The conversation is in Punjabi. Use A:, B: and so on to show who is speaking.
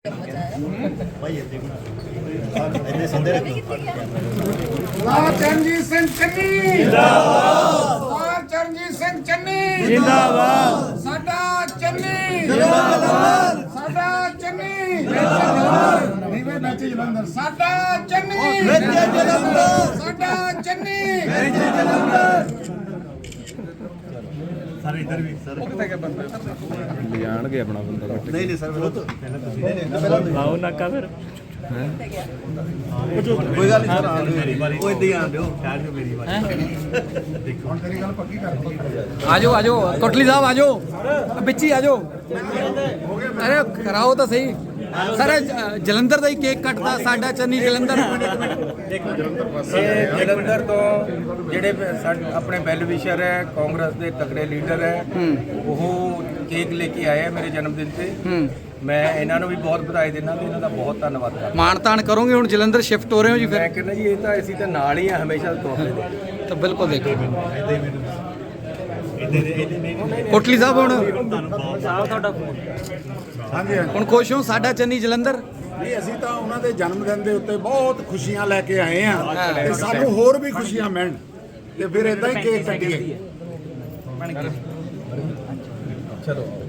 A: ਚਰਨਜੀਤ ਸਿੰਘ ਚੰਨੀ ਜਿੰਦਾਬਾਦ। ਚਰਨਜੀਤ ਸਿੰਘ ਚੰਨੀ ਜਿੰਦਾਬਾਦ। ਸਾਡਾ ਚੰਨੀ ਜਿੰਦਾਬਾਦ। ਸਾਡਾ ਚੰਨੀ ਨੀਵੇਂ ਵਿੱਚ ਜਲੰਧਰ। ਸਾਡਾ ਚੰਨੀ ਵਿੱਚ ਜਲੰਧਰ। ਸਾਡਾ ਚੰਨੀ ਵਿੱਚ ਜਲੰਧਰ। ਸਾਰੇ ਇਧਰ ਵੀ ਸਰ ਉਹ ਕਿੱਥੇ ਗਿਆ ਬੰਦਾ ਲੈ ਜਾਣਗੇ ਆਪਣਾ ਬੰਦਾ। ਨਹੀਂ ਨਹੀਂ ਸਰ ਲਾਓ ਨਾਕਾ ਫਿਰ ਕੋਈ ਗੱਲ ਨਹੀਂ ਸਰ ਮੇਰੀ ਵਾਰੀ ਉਹ ਇਦਾਂ ਹੀ ਆਣ ਦਿਓ ਕਹਿ ਦਿਓ ਮੇਰੀ ਵਾਰੀ ਦੇਖੋ ਹੁਣ ਤੇਰੀ ਗੱਲ ਪੱਕੀ ਕਰ ਦਿੱਤੀ। ਆਜੋ ਆਜੋ ਕੋਟਲੀ ਸਾਹਿਬ ਆਜੋ ਵਿੱਚ ਹੀ ਆਜੋ। ਅਰੇ ਕਰਾਓ ਤਾਂ ਸਹੀ ਸਰ। ਜਲੰਧਰ ਦਾ ਹੀ ਕੇਕ ਕੱਟਦਾ ਸਾਡਾ ਚੰਨੀ ਜਲੰਧਰ।
B: ਜਲੰਧਰ ਤੋਂ ਜਿਹੜੇ ਆਪਣੇ ਵੈਲ ਵਿਸ਼ਰ ਹੈ ਕਾਂਗਰਸ ਦੇ ਤਕੜੇ ਲੀਡਰ ਹੈ ਉਹ ਕੇਕ ਲੈ ਕੇ ਆਏ ਮੇਰੇ ਜਨਮ ਦਿਨ ਤੇ। ਮੈਂ ਇਹਨਾਂ ਨੂੰ ਵੀ ਬਹੁਤ ਵਧਾਈ ਦਿੰਦਾ ਤੇ ਇਹਨਾਂ ਦਾ ਬਹੁਤ ਧੰਨਵਾਦ ਕਰਦਾ।
C: ਮਾਣ ਤਾਣ ਕਰੋਗੇ ਹੁਣ ਜਲੰਧਰ ਸ਼ਿਫਟ ਹੋ ਰਹੇ ਹੋ ਜੀ ਫਿਰ?
B: ਮੈਂ ਕਹਿੰਦਾ ਜੀ ਇਹ ਤਾਂ ਅਸੀਂ ਤਾਂ ਨਾਲ ਹੀ ਆ ਹਮੇਸ਼ਾ ਤੌਰ ਤੇ।
C: ਤਾਂ ਬਿਲਕੁਲ ਦੇਖੋ ਕੋਟਲੀ ਸਾਹਿਬ ਹੁਣ
A: ਹਾਂਜੀ
C: ਹੁਣ ਖੁਸ਼ ਹੋ ਸਾਡਾ ਚੰਨੀ ਜਲੰਧਰ?
A: ਨਹੀਂ ਅਸੀਂ ਤਾਂ ਉਹਨਾਂ ਦੇ ਜਨਮ ਦਿਨ ਦੇ ਉੱਤੇ ਬਹੁਤ ਖੁਸ਼ੀਆਂ ਲੈ ਕੇ ਆਏ ਆ ਤੇ ਸਾਨੂੰ ਹੋਰ ਵੀ ਖੁਸ਼ੀਆਂ ਮਿਲਣ ਤੇ ਫਿਰ ਇਦਾਂ ਹੀ ਕੇਕ ਕੱਟੀਏ।
B: ਚਲੋ